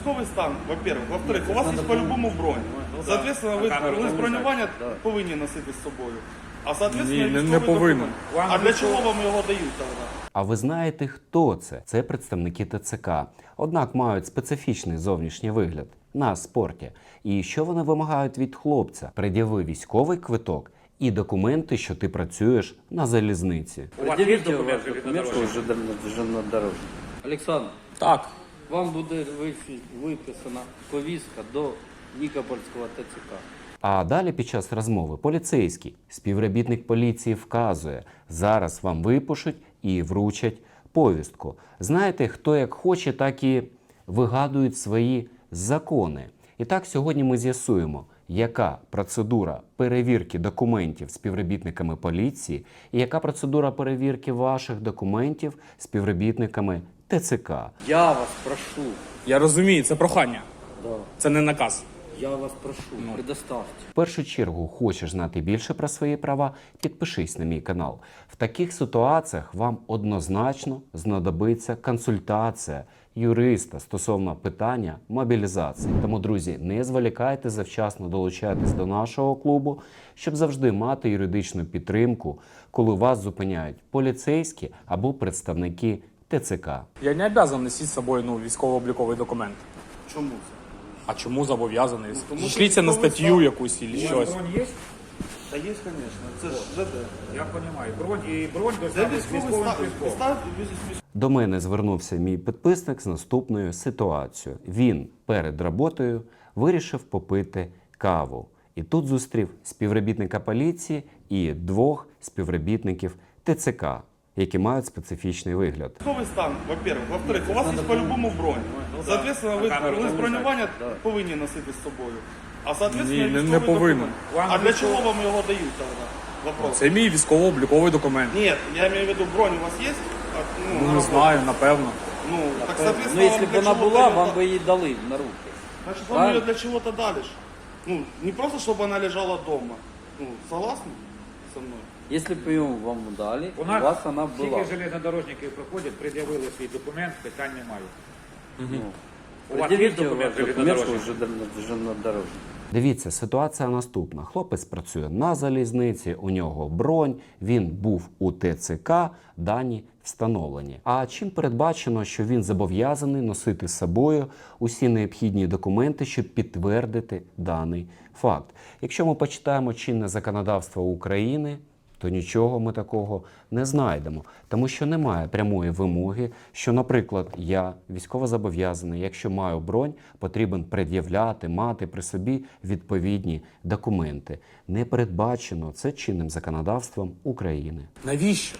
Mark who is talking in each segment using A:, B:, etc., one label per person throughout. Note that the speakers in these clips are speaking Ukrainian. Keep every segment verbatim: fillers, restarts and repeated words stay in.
A: Військовий стан, во-первых. Во-вторых, у вас є по-любому бронь. Соответственно, ви, ви з бронювання повинні носити з собою. А соответственно,
B: Ні, не повинен.
A: А для чого вам його дають тоді?
C: А ви знаєте, хто це? Це представники ТЦК. Однак мають специфічний зовнішній вигляд на спорті. І що вони вимагають від хлопця? Пред'яви військовий квиток і документи, що ти працюєш на залізниці.
D: Пред'явіть документ, що железнодорожник. Олександр,
B: Так.
D: вам буде виписана повістка до Нікопольського ТЦК.
C: А далі під час розмови поліцейський, співробітник поліції вказує, зараз вам випишуть і вручать повістку. Знаєте, хто як хоче, так і вигадують свої закони. І так сьогодні ми з'ясуємо, яка процедура перевірки документів співробітниками поліції і яка процедура перевірки ваших документів співробітниками ТЦК.
D: Я вас прошу,
B: Я розумію, це прохання.
D: да,
B: Це не наказ.
D: я вас прошу, предоставте.
C: В першу чергу, хочеш знати більше про свої права, підпишись на мій канал. В таких ситуаціях вам однозначно знадобиться консультація юриста стосовно питання мобілізації. Тому, друзі, не зволікайте, завчасно долучайтесь до нашого клубу, щоб завжди мати юридичну підтримку, коли вас зупиняють поліцейські або представники ТЦК.
B: Я не обов'язаний носити з собою ну, військово-обліковий документ.
A: Чому це?
B: А чому зобов'язаний?
A: тому що
B: Шліться на
A: військовий
B: статтю
A: стан.
B: якусь або щось.
E: Бронь есть?
A: Та є, звісно. Це ж ЖД.
E: Я понимаю. Бронь и бронь
A: Це
E: должна быть с
A: військовий
E: військовим
A: стан.
E: квитком.
A: Стан- військ-
C: До мене звернувся мій підписник з наступною ситуацією. Він перед роботою вирішив попити каву. І тут зустрів співробітника поліції і двох співробітників ТЦК, які мають специфічний вигляд.
A: Військовий стан, во-первых. Во-вторых, у вас є по-любому бронь. Соответственно, ви, ви з бронювання повинні носити з собою. А соответственно,
B: Ні, не- не
A: військовий
B: повинен.
A: документ. А для чого вам його дають тоді? Вопрос.
B: Це мій військово-обліковий документ.
A: Нет, я имею в виду, бронь у вас есть? А, Ну,
B: Ну,
A: на
B: не
A: работе?
B: знаю, напевно.
A: Ну, так,
D: Ну,
A: соответственно,
D: якщо
A: вам
D: б
A: для
D: вона
A: чего
D: була,
A: дают-
D: вам би її дали на руки.
A: Значит, вам
D: Правильно?
A: ее для чего-то дали ж. Ну, не просто, чтобы она лежала дома. Ну, согласны со мной?
D: Якщо б її вам дали,
E: У
D: у
E: нас
D: вас вона була.
E: тільки железнодорожники приходять, пред'явили свій документ, питань немає.
D: Ну,
E: У вас є
D: пред'явіть
E: документ
D: документ, що
E: железнодорожника?
D: железнодорожник.
C: Дивіться, ситуація наступна. Хлопець працює на залізниці, у нього бронь, він був у ТЦК, дані встановлені. А чим передбачено, що він зобов'язаний носити з собою усі необхідні документи, щоб підтвердити даний факт? Якщо ми почитаємо чинне законодавство України, то нічого ми такого не знайдемо. Тому що немає прямої вимоги, що, наприклад, я військовозобов'язаний, якщо маю бронь, потрібен пред'являти, мати при собі відповідні документи. Не передбачено це чинним законодавством України.
B: Навіщо?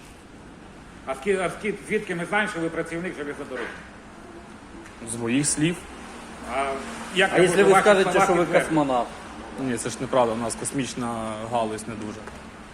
E: А ски- а ски- звідки ми знаємо, що ви працівник железнодорожника?
B: З моїх слів.
E: А, як
D: А
E: я
D: якщо
E: можу
D: ви
E: ваші
D: скажете,
E: слова
D: що ви
E: підтвердити?
D: космонавт?
B: Ні, це ж неправда, у нас космічна галузь не дуже.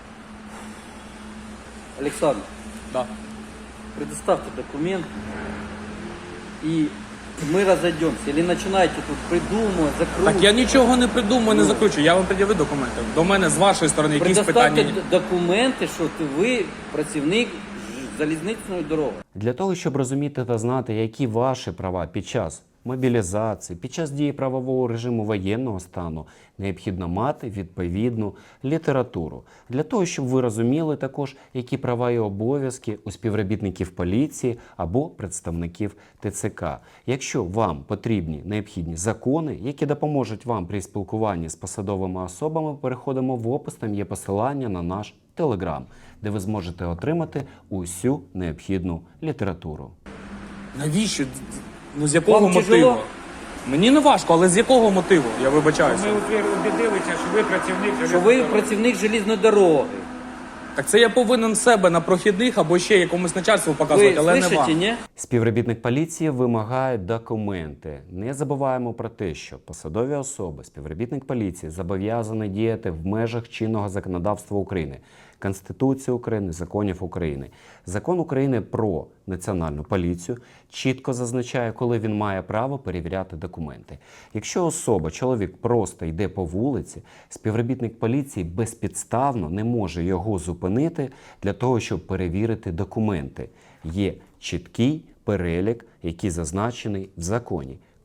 D: Олександр,
B: Да.
D: предоставьте документ, и мы разойдемся. Или начинаете тут придумывать, закручивать.
B: Так я нічого не придумаю, не закручую. Я вам пред'явив документи. До мене з вашої сторони якісь
D: Предоставте
B: питання.
D: д- документи, що ти ви працівник ж- залізничної дороги.
C: Для того, щоб розуміти та знати, які ваші права під час мобілізації, під час дії правового режиму воєнного стану, необхідно мати відповідну літературу. Для того, щоб ви розуміли також, які права і обов'язки у співробітників поліції або представників ТЦК. Якщо вам потрібні необхідні закони, які допоможуть вам при спілкуванні з посадовими особами, переходимо в опис, там є посилання на наш Телеграм, де ви зможете отримати усю необхідну літературу.
B: Навіщо? Ну з якого
D: Вам
B: мотиву?
D: тяжело?
B: Мені не важко, але з якого мотиву? Я вибачаюся.
E: Ми убедилися, що ви працівник
D: Що ви
E: железнодорожника.
D: працівник залізної дороги.
B: Так це я повинен себе на прохідних або ще якомусь начальству
D: Ви
B: показувати, але не
D: слышите,
B: вам.
D: ні?
C: Співробітник поліції вимагає документи. Не забуваємо про те, що посадові особи, співробітник поліції зобов'язані діяти в межах чинного законодавства України, Конституції України, законів України. Закон України про національну поліцію чітко зазначає, коли він має право перевіряти документи. Якщо особа, чоловік просто йде по вулиці, співробітник поліції безпідставно не може його зупинити для того, щоб перевірити документи. Є чіткий перелік, який зазначений в законі.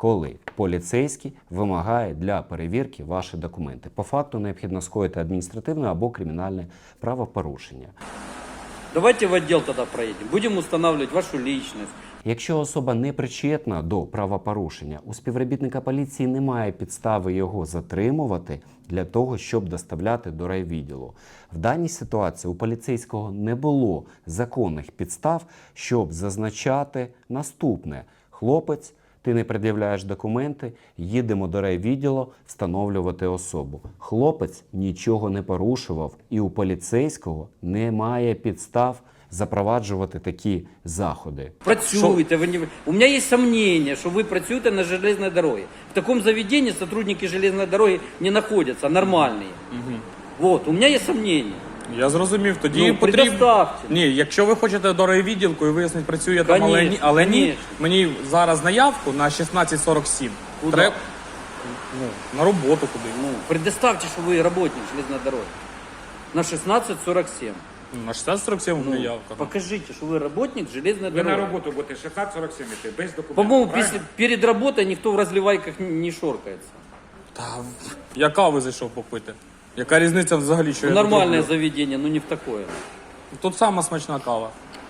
C: коли поліцейський вимагає для перевірки ваші документи. По факту необхідно скоїти адміністративне або кримінальне правопорушення.
D: Давайте в отдел тогда проедем. Будем устанавливать вашу личность.
C: Якщо особа не причетна до правопорушення, у співробітника поліції немає підстави його затримувати для того, щоб доставляти до райвідділу. В даній ситуації у поліцейського не було законних підстав, щоб зазначати наступне. Хлопець, ти не пред'являєш документи, їдемо до райвідділу встановлювати особу. Хлопець нічого не порушував, і у поліцейського немає підстав запроваджувати такі заходи.
D: Працюєте, ви не... У меня есть сомнение, что вы працюєте на железной дороге. В таком заведении сотрудники железной дороги не находятся, нормальные. Угу. Вот, у меня есть сомнение.
B: Я зрозумів, тоді
D: Ну,
B: потрібно...
D: предоставте.
B: Ні, якщо ви хочете до райвідділку і вияснити, працює там, але ні,
D: Конечно,
B: але ні,
D: конечно.
B: мені зараз наявку на шістнадцять сорок сім.
D: Куда?
B: Треба ну, на роботу куди.
D: Ну, предоставьте, что вы работник железной дороги. На шестнадцать сорок семь.
B: На шістнадцять сорок сім у мене
D: Ну,
B: явка.
D: покажите, что вы работник железной
E: Ви на
D: дороги.
E: роботу будете шістнадцять сорок сім іти, без документів.
D: По-моему,
E: правильно?
D: після- перед работой никто в разливайках не не шоркается.
B: Та, я кави зайшов попити. Яка різниця взагалі, що
D: Ну,
B: я тут
D: нормальное
B: роблю?
D: заведение, но не в такое.
B: Тут сама смачна кава.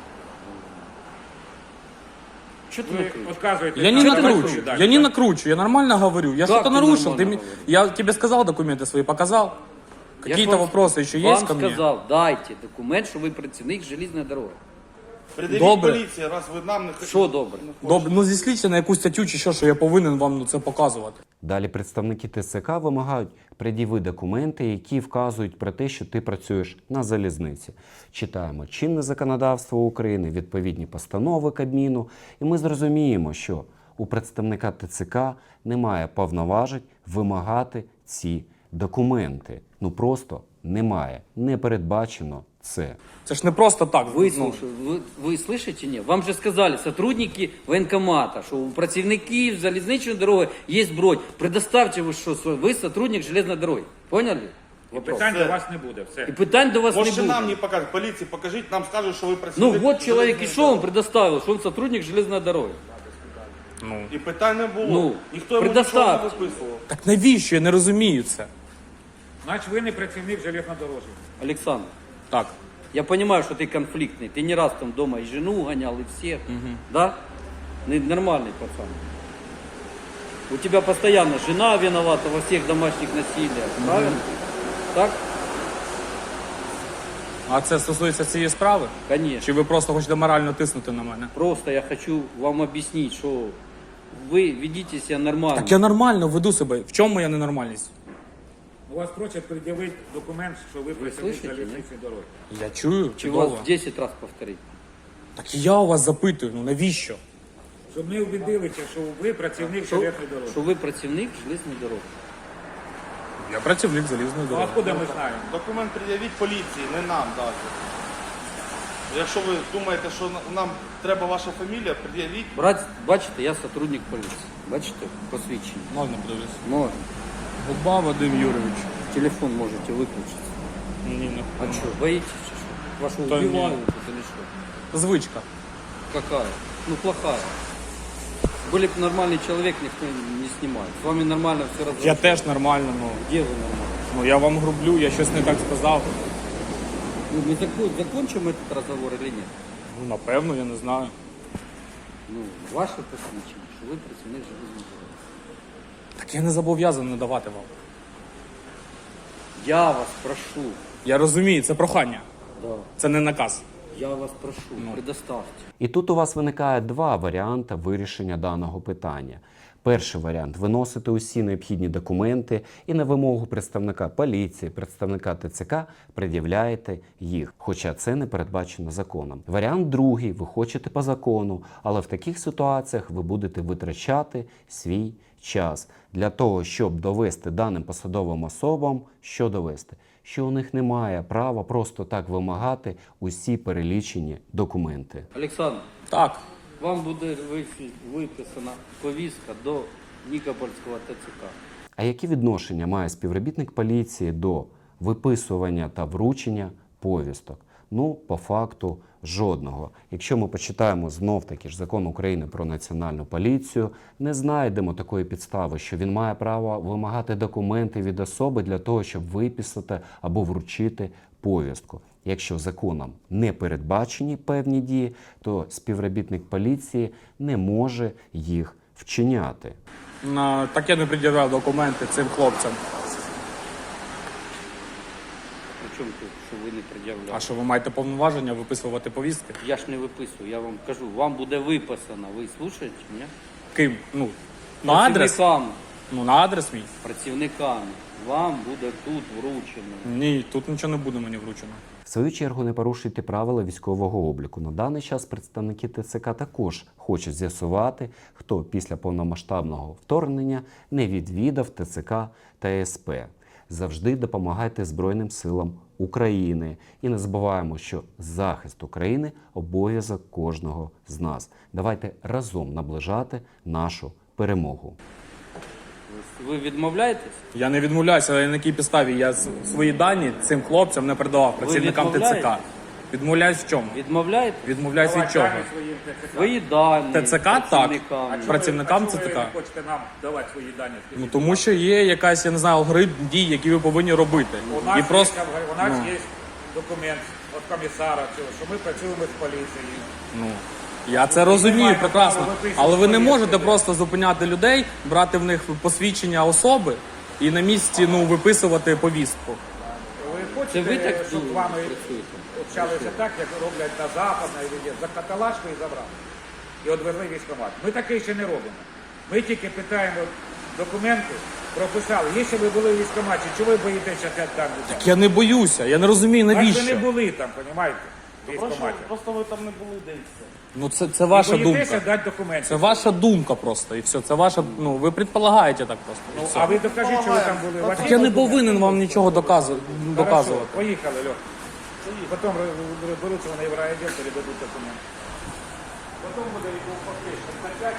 D: Что ты
E: Ви
D: накрыл?
E: відказуєте.
B: Я не
E: на
B: накручу,
E: відповідь.
B: я не накручу, я нормально говорю. Я
D: Как
B: что-то
D: ты
B: нарушил.
D: нормально
B: Ты мне-
D: говоришь?
B: Я тебе сказал, документы свои показал.
D: Я
B: Какие-то
D: ж вам-
B: вопросы еще
D: вам
B: есть ко мне?
D: сказал, дайте документ, что вы працівник железной дороги.
A: Пред'явіть
B: Добре.
A: поліції, раз ви нам не хочете.
D: Що добре?
B: Добре, ну зісліться на якусь статтю чи що, що я повинен вам ну, це показувати.
C: Далі представники ТЦК вимагають пред'яви документи, які вказують про те, що ти працюєш на залізниці. Читаємо чинне законодавство України, відповідні постанови Кабміну, і ми зрозуміємо, що у представника ТЦК немає повноважень вимагати ці документи. Ну просто немає, не передбачено це.
B: Це ж не просто так.
D: Вы,
B: ну,
D: слушай, вы, вы слышите, не? Вам же сказали, сотрудники военкомата, что у працівників залізничної дороги є бронь. Предоставьте ви, що ви сотрудник железної дороги. Поняли?
E: І
D: Вопрос.
E: питань до вас не буде. Все.
D: І питань до вас
A: Може
D: не
A: нам
D: буде.
A: не покажуть, поліції покажіть, нам скажуть, що ви
D: Ну
A: працюєте.
D: вот человек и шел, он предоставил, что он сотрудник железной дороги.
B: ну.
A: І питань не було.
D: Ну,
A: Ніхто йому нічого не
D: предоставте.
A: виписував.
B: Так навіщо? Я не розумію це.
E: Значить, ви не працівник железнодорожі.
D: Александр,
B: Так.
D: я понимаю, что ты конфликтный. Ты не раз там дома и жену гонял, и всех. Да? Ну, нормальный пацан. У тебя постоянно жена виновата во всех домашних насилиях. Правильно? Так?
B: А це стосується цієї справи?
D: Конечно.
B: Чи ви просто хочете морально тиснути на мене?
D: Просто я хочу вам объяснить, что вы ведите себя нормально.
B: Так я нормально веду себе. В чому моя ненормальність?
E: У вас просять пред'явити документ, що ви працівник
D: слышите,
E: залізничної дороги.
B: Я чую,
D: Чи вас
B: чудово.
D: в десять раз повторить.
B: Так я у вас запитую, ну навіщо?
E: Щоб ми убедилися, що ви працівник
D: Що,
E: железної дороги.
D: що ви працівник железної дороги.
B: Я працівник залізної
E: Ну,
B: дороги.
E: откуда ми знаємо?
A: Документ пред'явіть поліції, не нам навіть. Якщо ви думаєте, що на- нам треба ваша фамілія, пред'явіть.
D: Брат, бачите, я сотрудник поліції. Бачите, посвідчення.
B: Можна подивитися.
D: Можна.
B: Губа Вадим Юрійович.
D: Телефон можете выключить.
B: Ні, не.
D: А что, боитесь, чи что? Вашего
B: Да
D: убивают
B: нет.
D: тут или что?
B: Звичка.
D: Какая? Ну, плохая. Были бы нормальный человек, никто не снимает. С вами нормально все
B: Я
D: разговаривают.
B: теж нормально, ну.
D: Где вы нормально?
B: Ну я вам грублю, я щось не так сказав.
D: Ну, мы закон, закончим этот разговор или нет?
B: Ну, напевно, я не знаю.
D: Ну, ваше посвідчення, що ви працівник железної дороги.
B: Так я не зобов'язаний надавати вам.
D: Я вас прошу,
B: Я розумію, це прохання.
D: да,
B: Це не наказ.
D: я вас прошу, предоставьте.
C: І тут у вас виникає два варіанти вирішення даного питання. Перший варіант – виносити усі необхідні документи і на вимогу представника поліції, представника ТЦК пред'являєте їх, хоча це не передбачено законом. Варіант другий – ви хочете по закону, але в таких ситуаціях ви будете витрачати свій час для того, щоб довести даним посадовим особам, що довести? Що у них немає права просто так вимагати усі перелічені документи.
D: Олександр,
B: Так.
D: вам буде вифі- виписана повістка до Нікопольського ТЦК.
C: А які відношення має співробітник поліції до виписування та вручення повісток? Ну, по факту, жодного. Якщо ми почитаємо знов-таки ж закон України про національну поліцію, не знайдемо такої підстави, що він має право вимагати документи від особи для того, щоб виписати або вручити повістку. Якщо законом не передбачені певні дії, то співробітник поліції не може їх вчиняти.
B: На- Так я не пред'являв документи цим хлопцям.
D: При чому тут, що ви не пред'являли?
B: А що ви маєте повноваження виписувати повістки?
D: Я ж не виписую, я вам кажу, вам буде виписано. Ви слухаєте мене?
B: Ким? Ну, на адрес?
D: Працівниками,
B: Ну, на адрес мій?
D: працівниками. Вам буде тут вручено.
B: Ні, тут нічого не буде мені вручено.
C: В свою чергу не порушуйте правила військового обліку. На даний час представники ТЦК також хочуть з'ясувати, хто після повномасштабного вторгнення не відвідав ТЦК та СП. Завжди допомагайте Збройним силам України. І не забуваємо, що захист України – обов'язок кожного з нас. Давайте разом наближати нашу перемогу.
D: Ви відмовляєтесь?
B: Я не відмовляюся, але на якій підставі я с- свої дані цим хлопцям не передавав працівникам ТЦК.
D: відмовляєтесь?
B: Відмовляюсь в чому?
D: Відмовляєтесь?
B: Відмовляюсь від чого?
E: Давайте своїм ТЦК.
D: Свої дані.
B: ТЦК так.
D: працівникам.
E: А чому ви-
B: Працівникам
E: а чому
B: ЦТК.
E: ви не хочете нам давати свої дані?
B: Ну тому що є якась, я не знаю, алгоритм дій, які ви повинні робити.
E: У нас,
B: І просто
E: є, у нас
B: ну.
E: є документ від комісара, цього, що ми працюємо з поліцією.
B: Ну, я це розумію
E: маємо
B: прекрасно,
E: право виписувати
B: але ви не
E: повістки.
B: можете просто зупиняти людей, брати в них посвідчення особи і на місці ну, виписувати повістку.
E: Ви
D: Це
E: хочете,
D: ви так
E: щоб з вами
D: працюєте?
E: общалися так, як роблять на Западній війні, за каталажку і забрали. І одвезли військкомат. Ми таке ще не робимо. Ми тільки питаємо документи, прописали. Якщо ви були в військкоматі, чого ви боїтеся там людей?
B: Я не боюся, я не розумію,
E: Так ви не
B: навіщо.
E: були там, розумієте, в
A: Просто,
E: військкоматі.
A: просто ви там не були де і все.
B: Ну це, це ваша
E: Боїтеся
B: думка.
E: дати документи.
B: Це ваша думка просто, і все. Це ваша, ну ви предполагаєте так просто. і
E: Ну,
B: все.
E: а ви докажіть, що ви там були. У вас
B: Так
E: є
B: я не
E: документи?
B: повинен вам нічого доказу-
E: Хорошо,
B: доказувати.
E: поїхали, Льох. Потім розберуться вони в райвідділ, передадуть документи. Потім буде відповідь.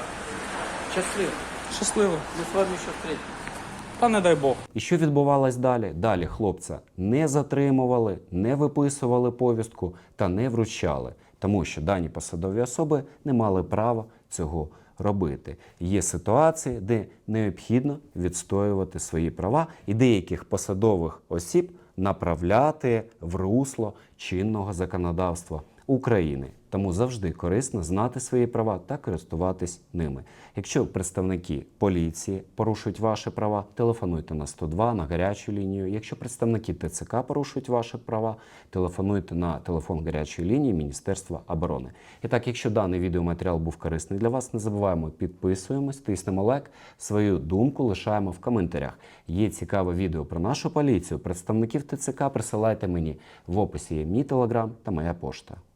D: Щасливо.
B: Щасливо.
D: Ми з вами ще встретимося.
B: Та не дай Бог.
C: І що відбувалось далі? Далі хлопця не затримували, не виписували повістку та не вручали, тому що дані посадові особи не мали права цього робити. Є ситуації, де необхідно відстоювати свої права і деяких посадових осіб направляти в русло чинного законодавства України. Тому завжди корисно знати свої права та користуватись ними. Якщо представники поліції порушують ваші права, телефонуйте на сто два, на гарячу лінію. Якщо представники ТЦК порушують ваші права, телефонуйте на телефон гарячої лінії Міністерства оборони. І так, якщо даний відеоматеріал був корисний для вас, не забуваємо, підписуємось, тиснемо лайк, свою думку лишаємо в коментарях. Є цікаве відео про нашу поліцію, представників ТЦК присилайте мені. В описі є мій телеграм та моя пошта.